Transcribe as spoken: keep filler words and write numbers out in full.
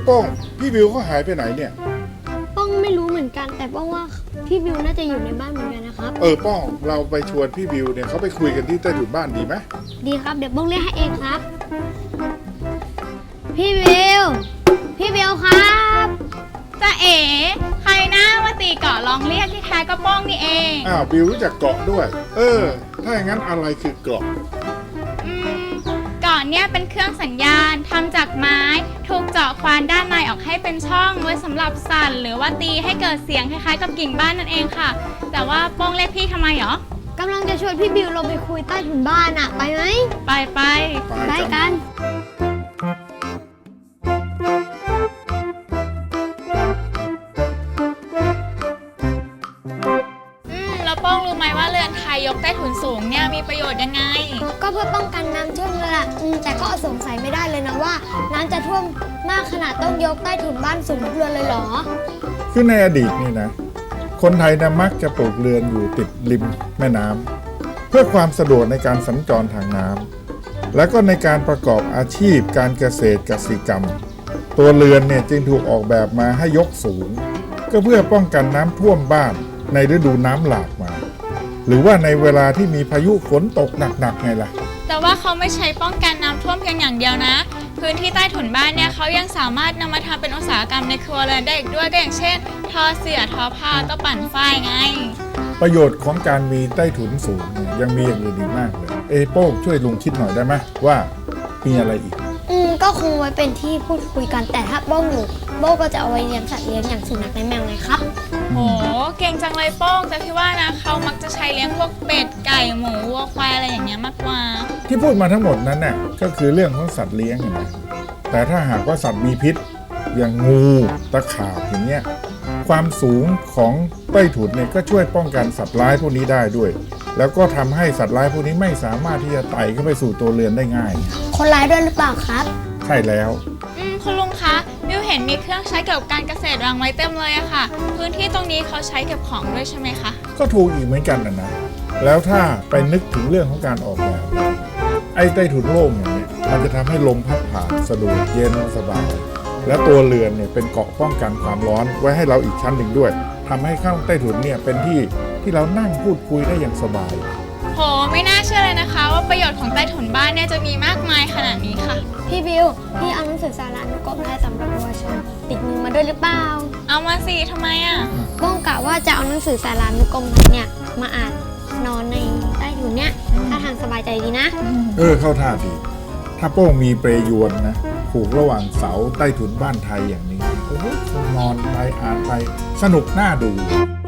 ป้องพี่บิวเขาหายไปไหนเนี่ยป้องไม่รู้เหมือนกันแต่ป้องว่าพี่บิวน่าจะอยู่ในบ้านเหมือนกันนะครับเออป้องเราไปชวนพี่บิวเนี่ยเขาไปคุยกันที่ใต้ถุนบ้านดีไหมดีครับเดี๋ยวป้องเรียกให้เองครับพี่บิวพี่บิวครับจะเอ๋ใครหน้ามาตีเกาะลองเรียกที่แท้ก็ป้องนี่เองอ้าวบิวรู้จักเกาะด้วยเออถ้าอย่างนั้นอะไรคือเกาะอืมเกาะเนี่ยเป็นเครื่องสัญญาณทำจากไม้ถูกเจาะควานด้านในออกให้เป็นช่องไว้สำหรับสั่นหรือว่าตีให้เกิดเสียงคล้ายๆกับกิ่งบ้านนั่นเองค่ะแต่ว่าป้องเรียกพี่ทำไมหรอกำลังจะชวนพี่บิวลงไปคุยใต้ถุนบ้านอะไปไหมไปไปไปกันป้องรู้ไหมว่าเรือนไทยยกใต้ถุนสูงเนี่ยมีประโยชน์ยังไงก็เพื่อป้องกันน้ำท่วมเลยล่ะแต่ก็สงสัยไม่ได้เลยนะว่าน้ำจะท่วมมากขนาดต้องยกใต้ถุนบ้านสูงทุกเรือนเลยเหรอคือในอดีตนี่นะคนไทยนะมักจะปลูกเรือนอยู่ติดริมแม่น้ำเพื่อความสะดวกในการสัญจรทางน้ำและก็ในการประกอบอาชีพการเกษตรกสิกรรมตัวเรือนเนี่ยจึงถูกออกแบบมาให้ยกสูงก็เพื่อป้องกันน้ำท่วมบ้านในฤดูน้ำหลากมาหรือว่าในเวลาที่มีพายุฝนตกหนักๆไงล่ะแต่ว่าเขาไม่ใช้ป้องกันน้ำท่วมเพียงอย่างเดียวนะพื้นที่ใต้ถุนบ้านเนี่ยเขายังสามารถนำมาทำเป็นอุตสาหกรรมในครัวเรือนได้อีกด้วยก็อย่างเช่นทอเสื่อทอผ้าก็ปั่นฝ้ายไงประโยชน์ของการมีใต้ถุนสูงเนี่ยยังมีอย่างอื่นอีกมากเลยเอโป้ช่วยลุงคิดหน่อยได้ไหมว่ามีอะไรอีกอืมก็คงไว้เป็นที่พูดคุยกันแต่ถ้าโบ้งอยู่โบ้ก็จะเอาไว้เลี้ยงสัตว์เลี้ยงอย่างสุนัขและแมวไงครับโหเก่งจังเลยโป้งแต่พี่ว่านะเขามักจะใช้เลี้ยงพวกเป็ดไก่หมูวัวควายอะไรอย่างเงี้ยมากกว่าที่พูดมาทั้งหมดนั้นน่ะก็คือเรื่องของสัตว์เลี้ยงเห็นไหมแต่ถ้าหากว่าสัตว์มีพิษอย่างงูตะขาบอย่างเงี้ยความสูงของใต้ถุนเนี่ยก็ช่วยป้องกันสัตว์ร้ายพวกนี้ได้ด้วยแล้วก็ทำให้สัตว์ร้ายพวกนี้ไม่สามารถที่จะไต่เข้าไปสู่ตัวเรือนได้ง่ายคนร้ายด้วยหรือเปล่าครับใช่แล้วอืมคุณลุงคะบิวเห็นมีเครื่องใช้เกี่ยวกับการเกษตรวางไว้เต็มเลยอะค่ะพื้นที่ตรงนี้เขาใช้เก็บของด้วยใช่ไหมคะก็ถูกอีกเหมือนกันนะนะแล้วถ้าไปนึกถึงเรื่องของการออกแบบไอ้ใต้ถุนโล่งอย่างนี้มันจะทำให้ลมพัดผ่านสะดวกเย็นสบายและตัวเรือนเนี่ยเป็นเกราะป้องกันความร้อนไว้ให้เราอีกชั้นหนึ่งด้วยทำให้ข้างใต้ถุนเนี่ยเป็นที่ที่เรานั่งพูดคุยได้อย่างสบายโหไม่น่าเชื่อเลยนะคะว่าประโยชน์ของใต้ถุนบ้านเนี่ยจะมีมากมายขนาดนี้ค่ะพี่บิวพี่เอาหนังสือสารานุกรมไทยสำหรับเยาวชนติดมือมาด้วยหรือเปล่าเอามาสิทำไมอ่ะป้องกะว่าจะเอาหนังสือสารานุกรมไทยเนี่ยมาอ่านนอนในใต้ถุนเนี่ยถ้าทางสบายใจดีนะเออเข้าท่าดีถ้าโป้งมีเปรยวนนะผูกระหว่างเสาใต้ถุนบ้านไทยอย่างนี้โอ้โหนอนไปอ่านไปสนุกน่าดู